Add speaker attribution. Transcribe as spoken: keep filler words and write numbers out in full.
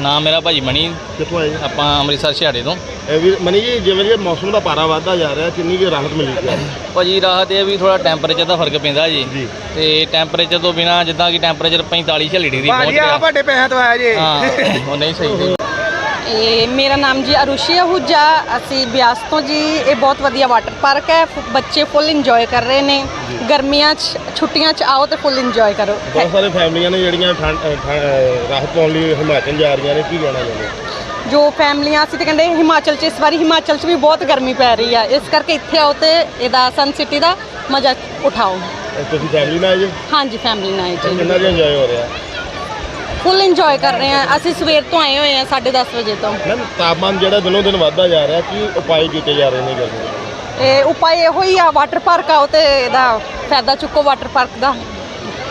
Speaker 1: ਨਾਮ ਮੇਰਾ ਭਾਜੀ ਮਣੀ।
Speaker 2: ਕਿੱਥੋਂ ਆਏ?
Speaker 1: ਆਪਾਂ ਅੰਮ੍ਰਿਤਸਰ ਛਿਆੜੇ ਤੋਂ।
Speaker 2: ਇਹ ਵੀ ਮਨੀ ਜੀ, ਜਿਵੇਂ ਜਿਵੇਂ ਮੌਸਮ ਦਾ ਪਾਰਾ ਵੱਧਦਾ ਜਾ ਰਿਹਾ, ਕਿੰਨੀ ਕੁ ਰਾਹਤ ਮਿਲੀ ਹੈ?
Speaker 1: ਭਾਜੀ ਰਾਹਤ ਇਹ ਵੀ ਥੋੜਾ ਟੈਂਪਰੇਚਰ ਦਾ ਫਰਕ ਪੈਂਦਾ ਜੀ
Speaker 2: ਜੀ।
Speaker 1: ਤੇ ਟੈਂਪਰੇਚਰ ਤੋਂ ਬਿਨਾ ਜਿੱਦਾਂ ਕਿ ਟੈਂਪਰੇਚਰ ਪੈਂਤਾਲੀ ਛਿਆਲੀ ਡਿਗਰੀ ਪਹੁੰਚ
Speaker 3: ਭਾਜੀ
Speaker 1: ਗਿਆ।
Speaker 3: ਆ ਵੱਡੇ ਪੈਸਿਆਂ ਤੋਂ ਆਇਆ ਜੀ।
Speaker 1: ਹਾਂ ਉਹ ਨਹੀਂ ਸਹੀ ਸੀ।
Speaker 4: ਇਹ ਮੇਰਾ ਨਾਮ ਜੀ ਅਰੁਸ਼ੀ ਆਹੂਜਾ, ਅਸੀਂ ਬਿਆਸ ਤੋਂ ਜੀ। ਇਹ ਬਹੁਤ ਵਧੀਆ ਵਾਟਰ ਪਾਰਕ ਹੈ, ਫ- ਬੱਚੇ ਫੁੱਲ ਇੰਜੋਏ ਕਰ ਰਹੇ ਨੇ। ਗਰਮੀਆਂ 'ਚ ਛੁੱਟੀਆਂ 'ਚ ਆਓ ਤੇ ਫੁੱਲ ਇੰਜੋਏ ਕਰੋ।
Speaker 2: ਬਹੁਤ ਸਾਰੇ ਫੈਮਲੀਆਂ ਨੇ ਜਿਹੜੀਆਂ ਠੰਡ ਅ, ਠ- ਅ, ਰਾਹਤ ਪਾਉਣ ਲਈ ਹਿਮਾਚਲ ਜਾ ਰਹੀਆਂ ਨੇ, ਕੀ ਕਹਿਣਾ ਚਾਹੁੰਦੇ?
Speaker 4: ਜੋ ਫੈਮਲੀਆਂ ਅਸੀਂ ਤੇ ਕਹਿੰਦੇ ਹਿਮਾਚਲ 'ਚ ਇਸ ਵਾਰੀ ਹਿਮਾਚਲ 'ਚ ਵੀ ਬਹੁਤ ਗਰਮੀ ਪੈ ਰਹੀ ਆ, ਇਸ ਕਰਕੇ ਇੱਥੇ ਆਓ ਤੇ ਇਹਦਾ ਸਨ ਸਿਟੀ ਦਾ ਮਜ਼ਾ ਉਠਾਓ।
Speaker 2: ਅ, ਤੁਸੀਂ ਫੈਮਲੀ ਨਾਲ ਆਏ ਜੀ?
Speaker 4: ਹਾਂਜੀ ਫੈਮਲੀ ਨਾਲ ਜੀ,
Speaker 2: ਕਿੰਨਾ ਜਿਹਾ ਇੰਜੋਏ ਹੋ ਰਿਹਾ?
Speaker 4: ਫੁੱਲ ਇੰਜੋਏ ਕਰ ਰਹੇ ਆ। ਅਸੀਂ ਸਵੇਰ ਤੋਂ ਆਏ ਹੋਏ ਆ ਸਾਢੇ ਦਸ ਵਜੇ ਤੋਂ।
Speaker 2: ਮੈਮ ਤਾਪਮਾਨ ਜਿਹੜਾ ਦਿਨੋਂ ਦਿਨ ਵੱਧਦਾ ਜਾ ਰਿਹਾ, ਕੀ ਉਪਾਅ ਕੀਤੇ ਜਾ ਰਹੇ ਨੇ ਗਰਮੀ ਦੇ?
Speaker 4: ਇਹ ਉਪਾਅ ਇਹੋ ਹੀ ਆ, ਵਾਟਰ ਪਾਰਕ ਆਓ ਤੇ ਇਹਦਾ ਫਾਇਦਾ ਚੁੱਕੋ ਵਾਟਰ ਪਾਰਕ ਦਾ।